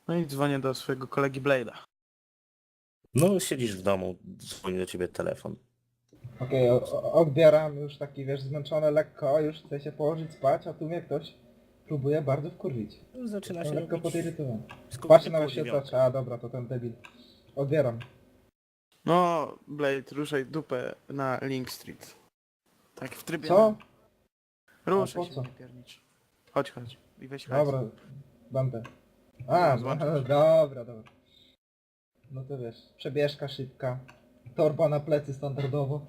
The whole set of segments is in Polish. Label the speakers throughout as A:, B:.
A: No i dzwonię do swojego kolegi Blade'a.
B: No siedzisz w domu, dzwoni do ciebie telefon.
C: Okej, odbieram już taki, wiesz, zmęczony lekko, już chcę się położyć spać, a tu mnie ktoś próbuje bardzo wkurwić.
B: Zaczyna
C: Jestem
B: się
C: lekko
B: robić
C: podirytowany.
B: z
C: Patrzę na
B: pół dziewiątej.
C: wyświetlacz, a dobra, to ten debil. Odbieram.
A: No, Blade, ruszaj dupę na Link Street. Tak w trybie...
C: Co?
A: Ruszaj
C: A po
A: się,
C: co?
A: nie piernicz. Chodź i weź hajs.
C: Dobra, będę. A,
A: No, złączam się.
C: dobra. No to wiesz, przebieżka szybka, torba na plecy standardowo.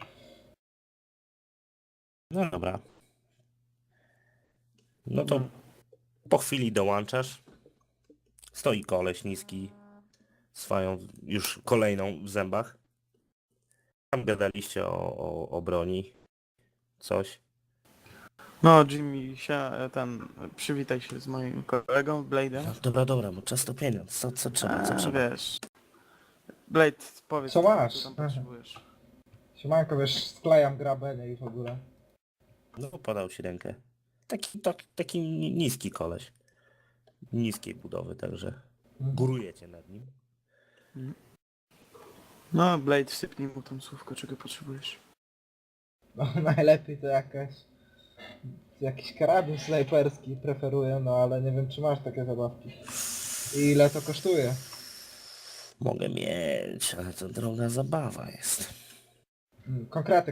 B: No dobra. No to
A: Mhm.
B: po chwili dołączasz. Stoi koleś niski, swoją już kolejną w zębach. Tam gadaliście o broni. Coś.
A: No, Jimmy, przywitaj się z moim kolegą, Blade'em.
B: No, dobra, bo czas to pieniądz. Co trzeba?
A: Wiesz. Blade, powiedz,
C: Co masz?
A: co tam potrzebujesz.
C: Siemanko, wiesz, sklejam grabenie i w ogóle.
B: No podał ci rękę. Taki niski koleś. Niskiej budowy, także górujecie nad nim.
A: No, Blade, sypnij mu tą słówko, czego potrzebujesz.
C: No, najlepiej to jakiś karabin snajperski preferuję, no ale nie wiem czy masz takie zabawki. I ile to kosztuje?
B: Mogę mieć, ale to droga zabawa jest.
C: Konkrety.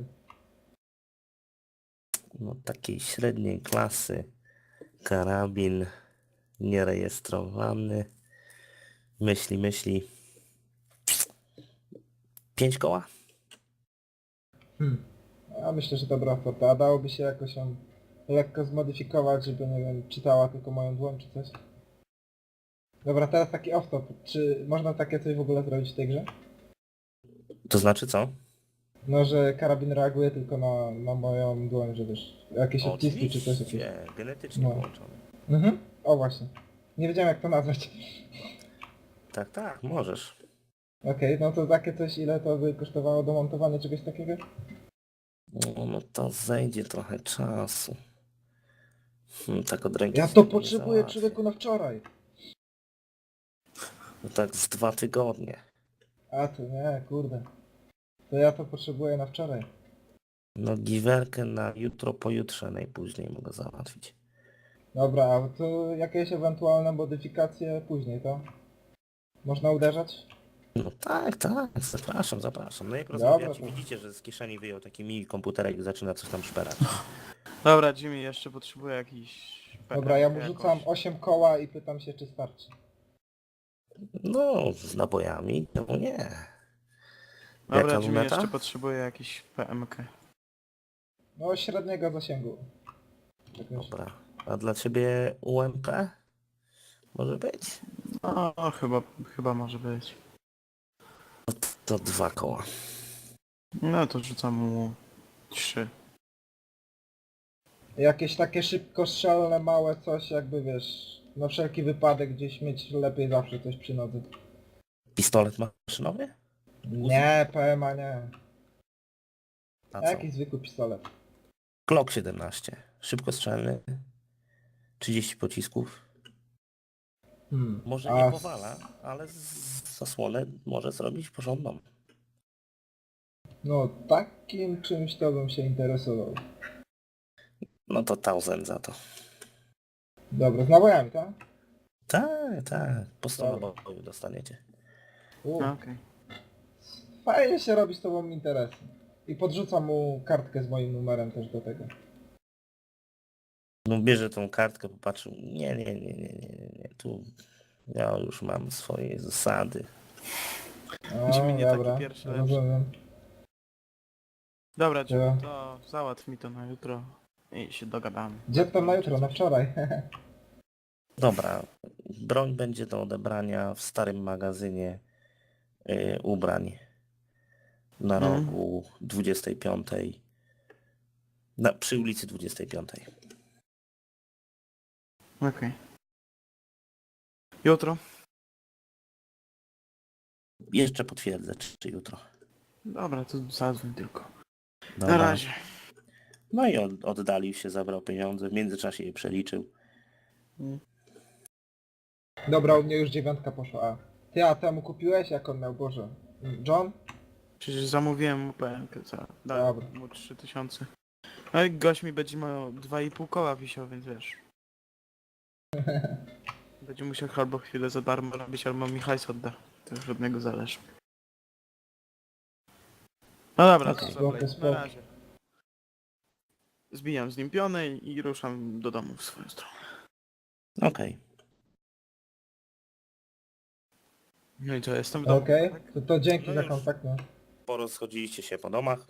B: No takiej średniej klasy. Karabin nierejestrowany. Myśli. 5 koła?
C: Ja myślę, że dobra oferta. A dałoby się jakoś ją lekko zmodyfikować, żeby, nie wiem, czytała tylko moją dłoń czy coś? Dobra, teraz taki off-top. Czy można takie coś w ogóle zrobić w tej grze?
B: To znaczy co?
C: No, że karabin reaguje tylko na moją dłoń, że wiesz, jakieś odciski czy coś.
B: Oczywiście, genetycznie
C: No.
B: połączone.
C: O właśnie. Nie wiedziałem jak to nazwać.
B: Tak, możesz.
C: Okej, no to takie coś, ile to by kosztowało domontowanie czegoś takiego?
B: No to zejdzie trochę czasu. Tak od ręki
C: Ja
B: sobie
C: to
B: nie
C: potrzebuję
B: załatwię.
C: człowieku na wczoraj.
B: No tak z 2 tygodnie.
C: A to nie, kurde. To ja to potrzebuję na wczoraj.
B: No giwerkę na jutro, pojutrze najpóźniej mogę załatwić.
C: Dobra, a to jakieś ewentualne modyfikacje później, to? Można uderzać?
B: No tak, zapraszam. No jak
C: Dobra,
B: rozmawiacie,
C: to-
B: widzicie, że z kieszeni wyjął taki mini komputerek i zaczyna coś tam szperać.
A: Dobra, Jimmy, jeszcze potrzebuję jakiś...
C: Dobra, ja mu
A: jakoś.
C: rzucam 8 koła i pytam się czy starczy.
B: No, z nabojami, czemu nie?
A: Dobra,
B: Jaka
A: Jimmy,
B: luneta?
A: jeszcze potrzebuję jakiś PMK.
C: No średniego zasięgu. Jakoś.
B: Dobra. A dla ciebie UMP? Może być?
A: No, chyba może być.
B: To 2 koła.
A: No to rzucam mu 3.
C: Jakieś takie szybkostrzelne, małe coś, jakby wiesz, na wszelki wypadek gdzieś mieć lepiej zawsze coś przy nodze.
B: Pistolet maszynowy?
C: Nie, PMA nie.
B: A co?
C: Jaki zwykły pistolet.
B: Glock 17. Szybkostrzelny. 30 pocisków. Może
C: A
B: nie powala, ale zasłonę może zrobić porządną.
C: No takim czymś to bym się interesował.
B: No to 1000 za to.
C: Dobra, z nabojami, tak?
B: Tak. Po 100
C: Dobra.
B: nabojów dostaniecie.
A: No, okej.
C: Fajnie się robi z tobą interesy. I podrzucam mu kartkę z moim numerem też do tego.
B: No bierze tą kartkę, popatrzył. Nie. Tu ja już mam swoje zasady.
A: Jimmy nie taki
C: dobra,
A: pierwszy, lepszy.
C: rozumiem.
A: Dobra, Jimmy,
C: Ja.
A: to załatw mi to na jutro i się dogadamy.
C: Gdzie tam na jutro? Na wczoraj.
B: Dobra. Broń będzie do odebrania w starym magazynie ubrań. Na rogu 25. Przy ulicy 25.
A: Okej. Jutro?
B: Jeszcze potwierdzę, czy jutro.
A: Dobra, to zadzwoń tylko. Na
B: Dobra.
A: razie.
B: No i oddalił się, zabrał pieniądze, w międzyczasie je przeliczył.
C: Dobra, u mnie już 9 poszła. A ty, a temu kupiłeś? Jak on miał? Boże. John?
A: Przecież zamówiłem mu PNK za... Dałem
C: Dobra.
A: mu 3000. No i gość mi będzie miał 2,5 koła wisiał, więc wiesz. Będzie musiał albo chwilę za darmo robić, albo mi hajs odda. To już od niego zależy. No dobra,
B: Okej.
A: to co,
C: Spoko,
A: Blade,
C: spoko.
A: na razie. Zbijam z nim pionę i ruszam do domu w swoją stronę.
B: Okej.
A: No i co, jestem w domu,
C: Okej,
A: tak?
C: to dzięki
B: No
C: za
B: już.
C: kontakt, no.
B: Porozchodziliście się po domach.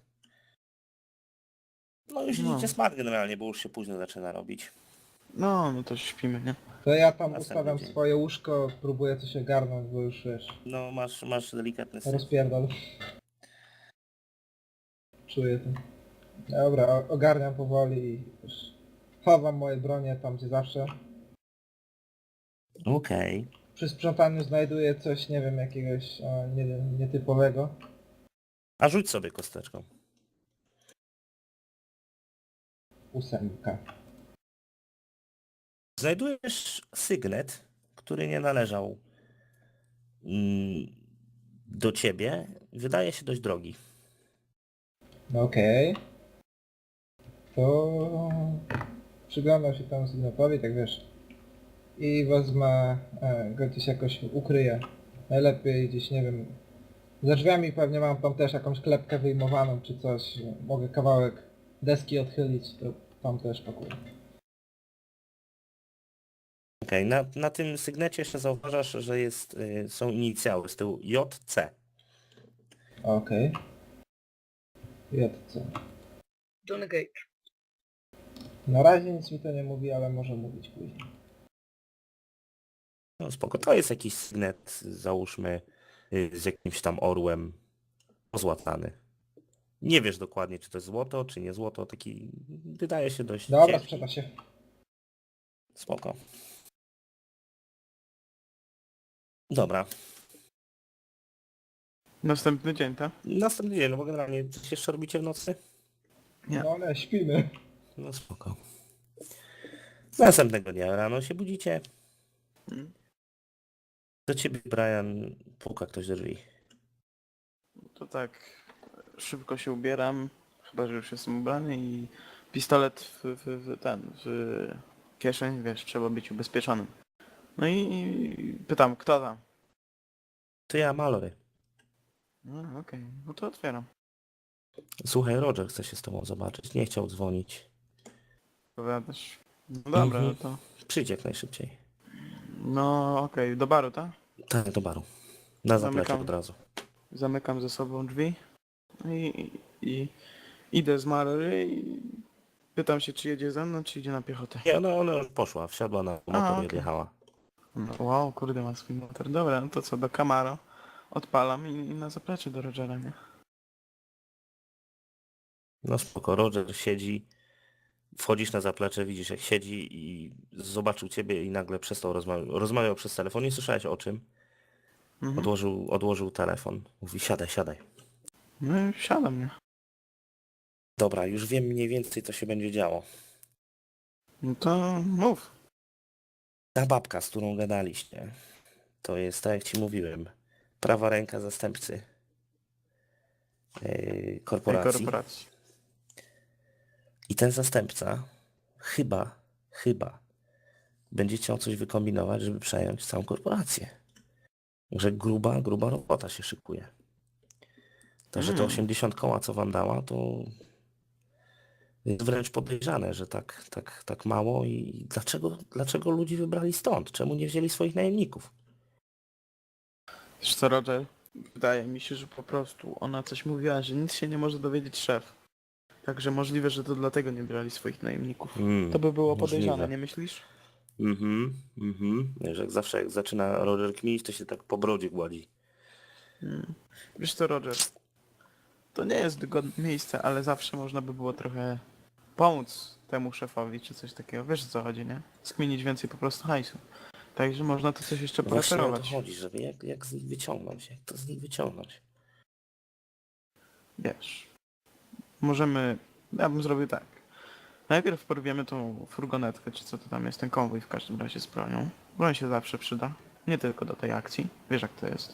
B: No już
A: No.
B: idziecie spać generalnie, bo już się późno zaczyna robić.
A: No to śpimy, nie?
C: To ja tam
B: Następny
C: ustawiam
B: dzień.
C: swoje łóżko, próbuję coś ogarnąć, bo już wiesz,
B: No masz delikatny syf.
C: rozpierdol. Czuję to. Dobra, ogarniam powoli i już chowam moje bronie tam gdzie zawsze.
B: Okej.
C: Przy sprzątaniu znajduję coś, nie wiem, jakiegoś, nie wiem, nietypowego.
B: A rzuć sobie kosteczką.
C: 8.
B: Znajdujesz sygnet, który nie należał do ciebie. Wydaje się dość drogi.
C: Okej. To przyglądam się tam sygnatowi, tak wiesz. I wezmę, go gdzieś jakoś ukryję. Najlepiej gdzieś, nie wiem, za drzwiami pewnie mam tam też jakąś klepkę wyjmowaną czy coś. Mogę kawałek deski odchylić, to tam też pakuję.
B: Okej, na tym sygnecie jeszcze zauważasz, że są inicjały z tyłu JC.
C: Okej. JC.
D: Johnny Cage.
C: Na razie nic mi to nie mówi, ale może mówić później.
B: No spoko, to jest jakiś sygnet, załóżmy, z jakimś tam orłem pozłatany. Nie wiesz dokładnie, czy to jest złoto, czy nie złoto, taki wydaje się dość
C: Dobra,
B: ciężki.
C: sprzeda się.
B: Spoko. Dobra.
A: Następny dzień, tak?
B: Następny dzień, no bo generalnie coś jeszcze robicie w nocy?
A: Nie.
C: No ale śpimy.
B: No spoko. Następnego dnia rano się budzicie.
A: Mm.
B: Do ciebie, Brian, puka ktoś do drzwi.
A: To tak, szybko się ubieram, chyba że już jestem ubrany i pistolet w kieszeń, wiesz, trzeba być ubezpieczonym. No i pytam, kto tam?
B: To ja, Mallory.
A: No okej, no to otwieram.
B: Słuchaj, Roger chce się z tobą zobaczyć. Nie chciał dzwonić.
A: Powiadasz. No dobra,
B: Mhm.
A: no to...
B: Przyjdź jak najszybciej.
A: No okej, do baru, tak?
B: Tak, do baru. Na zaplecze
A: Zamykam.
B: od razu.
A: Zamykam ze sobą drzwi i idę z Mary i pytam się, czy jedzie ze mną, czy idzie na piechotę.
B: Nie, ona już poszła, wsiadła na motor i
A: okej.
B: odjechała.
A: No, wow, kurde, ma swój motor. Dobra, no to co, do Camaro odpalam i na zaplecze do Rogera, nie?
B: No spoko, Roger siedzi, wchodzisz na zaplecze, widzisz jak siedzi i zobaczył ciebie i nagle przestał rozmawiał przez telefon. Nie słyszałeś o czym.
A: Mhm.
B: Odłożył telefon. Mówi, siadaj, siadaj.
A: No i wsiadam, nie?
B: Dobra, już wiem mniej więcej co się będzie działo.
A: No to mów.
B: Ta babka, z którą gadaliście, to jest, tak jak ci mówiłem, prawa ręka zastępcy
A: Tej
B: korporacji.
A: korporacji.
B: I ten zastępca chyba będzie chciał coś wykombinować, żeby przejąć całą korporację. Że gruba robota się szykuje. Także te 80 koła, co wam dała, to jest wręcz podejrzane, że tak mało i dlaczego ludzi wybrali stąd? Czemu nie wzięli swoich najemników?
A: Wiesz co, Roger? Wydaje mi się, że po prostu ona coś mówiła, że nic się nie może dowiedzieć szef. Także możliwe, że to dlatego nie brali swoich najemników. To by było podejrzane,
B: możliwe.
A: nie myślisz?
B: Wiesz, jak zawsze jak zaczyna Roger kminić, to się tak po brodzie gładzi.
A: Wiesz co, Roger? To nie jest wygodne miejsce, ale zawsze można by było trochę pomóc temu szefowi, czy coś takiego. Wiesz o co chodzi, nie? Skminić więcej po prostu hajsu. Także można to coś jeszcze
B: Właśnie o to
A: preferować.
B: chodzi, żeby jak z nich wyciągnąć, jak to z nich wyciągnąć.
A: Wiesz. Możemy... Ja bym zrobił tak. Najpierw porwiemy tą furgonetkę, czy co to tam jest, ten konwój w każdym razie z bronią. Broń się zawsze przyda. Nie tylko do tej akcji. Wiesz jak to jest.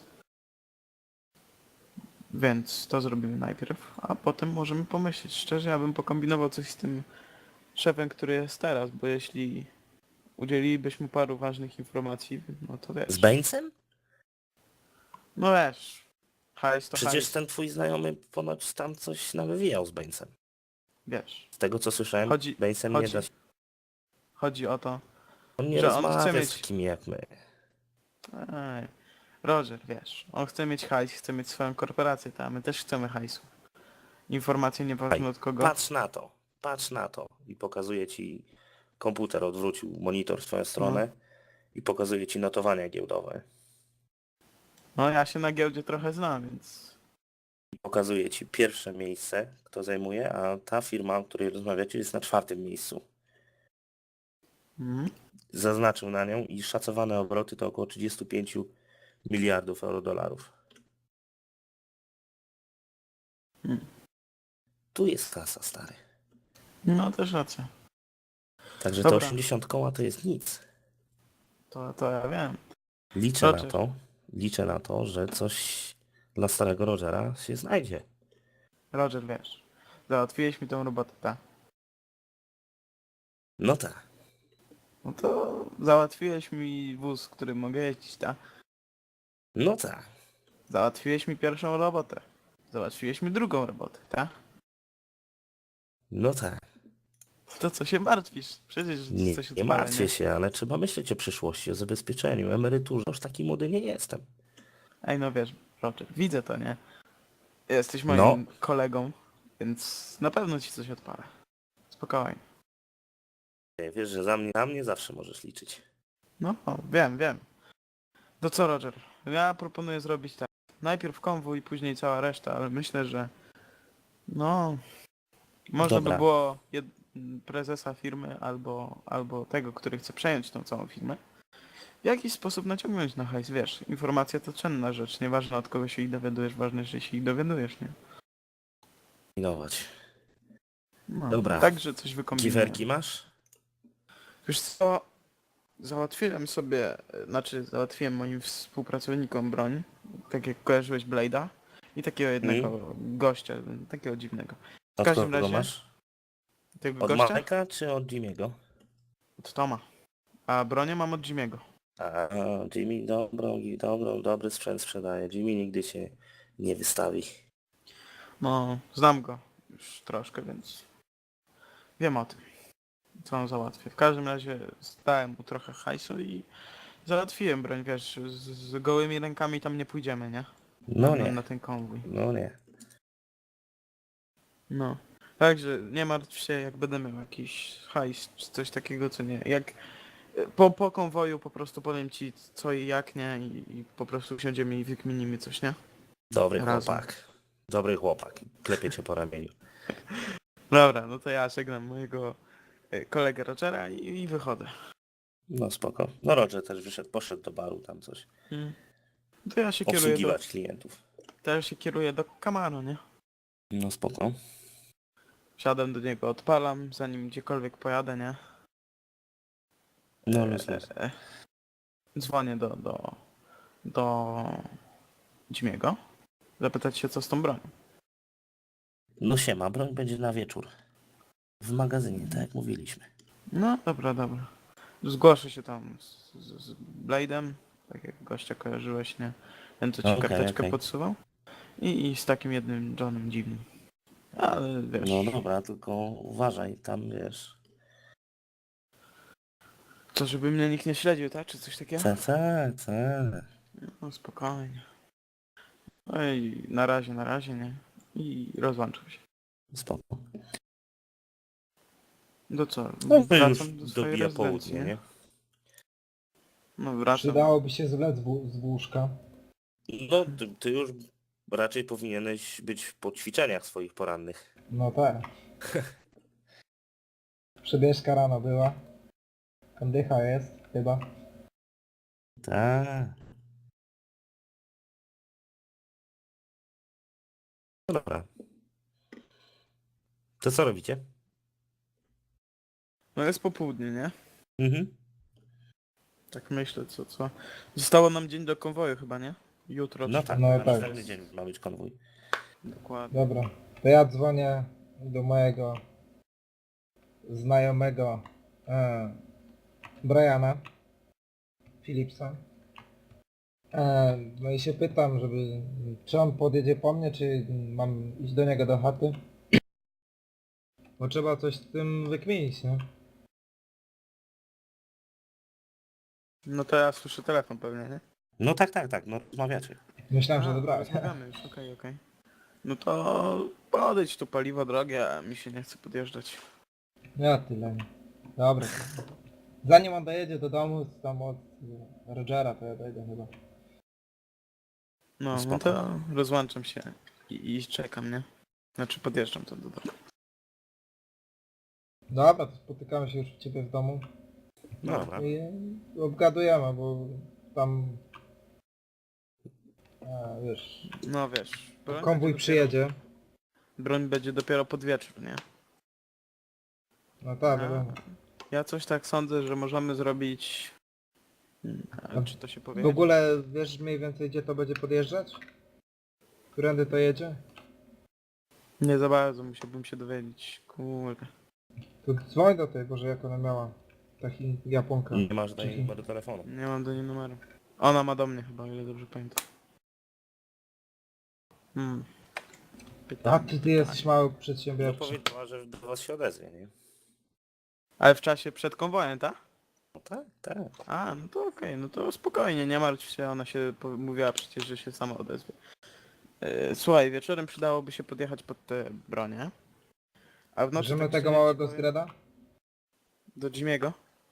A: Więc to zrobimy najpierw, a potem możemy pomyśleć. Szczerze, ja bym pokombinował coś z tym szefem, który jest teraz, bo jeśli udzielilibyśmy paru ważnych informacji, no to
B: Z
A: wiesz.
B: Bainesem?
A: No wiesz. Hajs to
B: Przecież
A: hajs.
B: ten twój znajomy ponoć tam coś nawywijał z Bainesem.
A: Wiesz.
B: Z tego co słyszałem, Bainesem nie da się...
A: Chodzi o to,
B: On nie
A: że on chce
B: rozmawia
A: mieć...
B: z takimi jak my.
A: Ej, Roger, wiesz, on chce mieć hajs, chce mieć swoją korporację, a my też chcemy hajsu. Informacje nieważne od kogo.
B: Patrz na to. I pokazuje ci, komputer odwrócił monitor w twoją stronę i pokazuje ci notowania giełdowe.
A: No ja się na giełdzie trochę znam, więc...
B: I pokazuje ci pierwsze miejsce, kto zajmuje, a ta firma, o której rozmawiacie, jest na 4. miejscu.
A: Mhm.
B: Zaznaczył na nią i szacowane obroty to około 35 miliardów euro-dolarów. Tu jest kasa, stary.
A: No też racja.
B: Także te
A: Dobra.
B: 80 koła to jest nic.
A: To ja wiem.
B: Liczę
A: Roger.
B: na to, że coś dla starego Rogera się znajdzie.
A: Roger, wiesz, załatwiłeś mi tą robotę, tak?
B: No tak.
A: No to załatwiłeś mi wóz, którym mogę jeździć, tak?
B: No tak.
A: Załatwiłeś mi pierwszą robotę. Załatwiłeś mi drugą robotę, tak?
B: No tak.
A: To co się martwisz? Przecież
B: Nie,
A: coś
B: nie
A: odpala,
B: martwię
A: nie?
B: się, ale trzeba myśleć o przyszłości, o zabezpieczeniu, emeryturze. Już taki młody nie jestem.
A: Ej, no wiesz, Roger, widzę to, nie? Jesteś moim
B: No.
A: kolegą, więc na pewno ci coś odpala. Spokojnie.
B: Wiesz, że na mnie zawsze możesz liczyć.
A: No, wiem. To co, Roger? Ja proponuję zrobić tak. Najpierw konwój, później cała reszta, ale myślę, że... No... Można
B: Dobra.
A: by było prezesa firmy albo tego, który chce przejąć tą całą firmę, w jakiś sposób naciągnąć na hajs, wiesz, informacja to cenna rzecz, nieważne od kogo się ich dowiadujesz, ważne, że się ich dowiadujesz, nie?
B: Kombinować.
A: No,
B: Dobra.
A: także coś wykombinujemy.
B: Giwerki masz?
A: Wiesz co, załatwiłem moim współpracownikom broń, tak jak kojarzyłeś Blade'a i takiego jednego gościa, takiego dziwnego. W
B: Od
A: każdym
B: kogo
A: razie,
B: masz?
A: tego
B: Od
A: gościa?
B: Majka czy od Jimmy'ego?
A: Od Toma. A bronię mam od Jimmy'ego.
B: A, Jimmy dobry sprzęt sprzedaje. Jimmy nigdy się nie wystawi.
A: No, znam go już troszkę, więc wiem o tym, co on załatwię. W każdym razie dałem mu trochę hajsu i załatwiłem broń, wiesz, z gołymi rękami tam nie pójdziemy, nie?
B: No
A: Na
B: nie,
A: ten konwój.
B: no nie.
A: No. Także nie martw się, jak będę miał jakiś hajs czy coś takiego, co nie. Jak po konwoju po prostu powiem ci co i jak, nie? I po prostu usiądziemy i wykminimy coś, nie?
B: Dobry
A: Razem.
B: chłopak. Dobry chłopak. Klepie cię po ramieniu.
A: Dobra, no to ja żegnam mojego kolegę Rogera i wychodzę.
B: No spoko. No Roger też wyszedł, poszedł do baru tam coś.
A: To ja się kieruję
B: Obsługiwać klientów.
A: do Camaro, nie?
B: No spoko.
A: Wsiadam do niego, odpalam, zanim gdziekolwiek pojadę, nie?
B: No luz.
A: Dzwonię do Jimmy'ego, zapytać się co z tą bronią.
B: No siema, broń będzie na wieczór. W magazynie, tak jak mówiliśmy.
A: No dobra. Zgłoszę się tam z Blade'em, tak jak gościa kojarzyłeś, nie? Ten co ci
B: Okej,
A: karteczkę
B: okej.
A: podsuwał. I z takim jednym Johnem dziwnym. Ale wiesz...
B: No dobra, tylko uważaj, tam wiesz.
A: To żeby mnie nikt nie śledził, tak? Czy coś takiego?
B: Tak.
A: No spokojnie. No i na razie, nie? I rozłączam się.
B: Spoko.
A: No co?
B: No to już
A: Wracam do swojej
B: dobija
A: rezydencji,
B: południe,
A: nie?
B: nie?
A: No wracam.
C: Przydałoby się zlec z łóżka.
B: No ty już raczej powinieneś być po ćwiczeniach swoich porannych.
C: No tak. Przebieżka rano była. Kondycha jest, chyba.
B: Tak. No dobra. To co robicie?
A: No jest popołudnie, nie?
B: Mhm.
A: Tak myślę, co? Zostało nam dzień do konwoju chyba, nie? Jutro.
B: No
A: czy-
B: tak,
C: No
B: na
C: tak.
B: następny dzień ma być konwój.
A: Dokładnie.
C: Dobra, to ja dzwonię do mojego znajomego Briana Philipsa. No i się pytam, czy on podjedzie po mnie, czy mam iść do niego do chaty. Bo trzeba coś z tym wykminić, nie?
A: No to ja słyszę telefon pewnie, nie?
B: No tak, no rozmawiacie.
C: Myślałem, że dobra.
A: Rozmawiamy już, okej. No to podejdź tu, paliwo drogie, a mi się nie chce podjeżdżać.
C: Ja tyle. Dobra. Zanim on dojedzie do domu, tam od Rogera, to ja dojdę chyba.
A: No
B: Spoko.
A: to rozłączam się i czekam, nie? Znaczy podjeżdżam to do domu.
C: Dobra, to spotykamy się już u ciebie w domu
B: No dobra.
C: i obgadujemy, bo tam... wiesz,
A: No wiesz, broń
C: konwój
A: będzie
C: przyjedzie.
A: Broń będzie dopiero pod wieczór, nie?
C: No tak,
A: A,
C: wiadomo.
A: Ja coś tak sądzę, że możemy zrobić... A czy to się powie?
C: W ogóle wiesz mniej więcej gdzie to będzie podjeżdżać? Którędy to jedzie?
A: Nie za bardzo, musiałbym się dowiedzieć. Kurde.
C: To dzwoń do tej, Boże, jak ona miała. Taki Japonka.
B: Nie masz do
C: Czyli-
B: niej numeru telefonu.
A: Nie mam do niej numeru. Ona ma do mnie chyba, o ile dobrze pamiętam.
C: A
A: Pytanie.
C: ty jesteś mały
B: No
C: przedsiębiorczy.
B: powiedziała, że do was się odezwie, nie?
A: Ale w czasie przed konwojem, tak?
B: No tak.
A: A, no to okej, no to spokojnie, nie martw się, ona się mówiła przecież, że się sama odezwie. Słuchaj, wieczorem przydałoby się podjechać pod te bronie. A w nocy
C: Bierzemy
A: tak
C: tego
A: szczerze
C: małego
A: ci powiem-
C: zgreda?
A: Do Jimiego?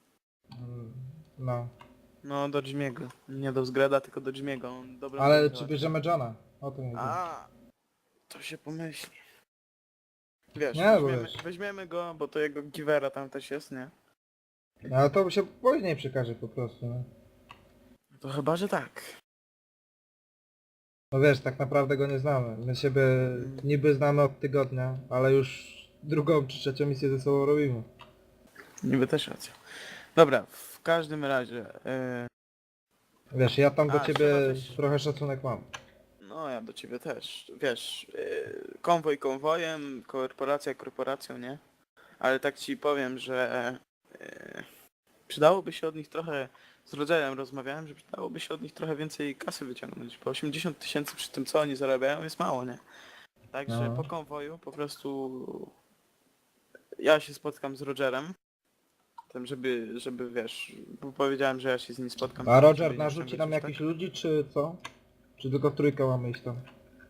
C: No.
A: No do Jimiego. Nie do Zgreda, tylko do Jimiego. On dobrze
C: Ale
A: będzie
C: czy
A: załatwiał.
C: bierzemy Johna? O to nie wiem.
A: A, to się pomyśli. Wiesz,
C: Nie, bo
A: weźmiemy,
C: wiesz.
A: weźmiemy go, bo to jego Givera tam też jest, nie?
C: Ale to się później przekaże po prostu, no.
A: To chyba, że tak.
C: No wiesz, tak naprawdę go nie znamy. My siebie niby znamy od tygodnia, ale już drugą czy trzecią misję ze sobą robimy.
A: Niby też racja. Dobra, w każdym razie...
C: Wiesz, ja tam do
A: A,
C: ciebie
A: trzeba też-
C: trochę szacunek mam.
A: No ja do ciebie też. Wiesz, konwoj konwojem, korporacja korporacją, nie? Ale tak ci powiem, że przydałoby się od nich trochę, z rodzajem rozmawiałem, że przydałoby się od nich trochę więcej kasy wyciągnąć, bo 80 000 przy tym co oni zarabiają jest mało, nie? Także
C: No.
A: po konwoju po prostu ja się spotkam z Rogerem, tym żeby wiesz, bo powiedziałem, że ja się z nim spotkam.
C: A Roger
A: żeby nie
C: narzuci
A: ściągać
C: nam
A: już,
C: jakichś
A: tak?
C: ludzi, czy co? Czy tylko w trójkę mamy iść tam?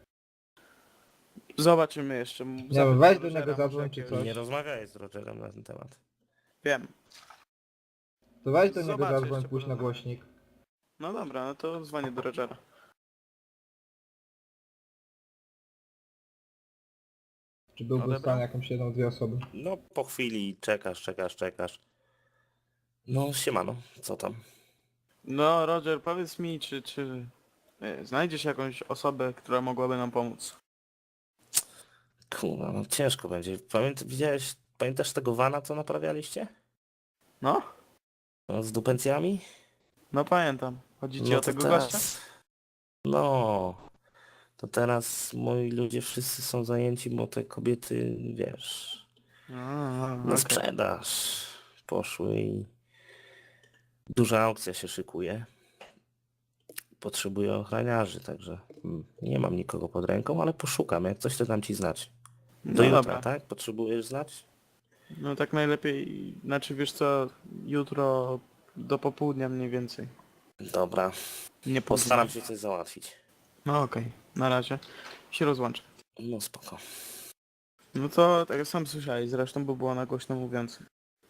A: Zobaczymy jeszcze.
C: Nie
A: Zapytam
C: wiem, weź do
A: Rogera,
C: niego
A: może
C: zadzwoń czy
A: jakiegoś-
C: coś.
B: Nie rozmawiaj z Rogerem na ten temat.
A: Wiem.
C: To weź do niego
A: Zobaczę,
C: zadzwoń,
A: jeszcze
C: pójść na
A: porozmawiam.
C: głośnik.
A: No dobra, no to dzwonię do Rogera.
C: Czy byłby w
A: Odebrał?
C: stanie jakąś jedną, dwie osoby.
B: No po chwili czekasz. No siemano, co tam?
A: No Roger, powiedz mi, czy znajdziesz jakąś osobę, która mogłaby nam pomóc?
B: Kurwa, no ciężko będzie. Pamiętasz tego vana, co naprawialiście?
A: No?
B: No, z dupencjami?
A: No pamiętam. Chodzi ci
B: No
A: o
B: to
A: tego
B: teraz...
A: gościa?
B: No... To teraz moi ludzie wszyscy są zajęci, bo te kobiety, wiesz,
A: A,
B: na
A: okej.
B: sprzedaż poszły i duża aukcja się szykuje. Potrzebuję ochroniarzy, także nie mam nikogo pod ręką, ale poszukam, jak coś to dam ci znać. Do
A: No
B: jutra,
A: dobra.
B: tak? Potrzebujesz znać?
A: No tak najlepiej, znaczy wiesz co, jutro do popołudnia mniej więcej.
B: Dobra,
A: Nie
B: postaram
A: południa.
B: się coś załatwić.
A: No okej, na razie. Się rozłączę.
B: No spoko.
A: No to tak jak sam słyszałeś zresztą, bo było na głośno mówiącym.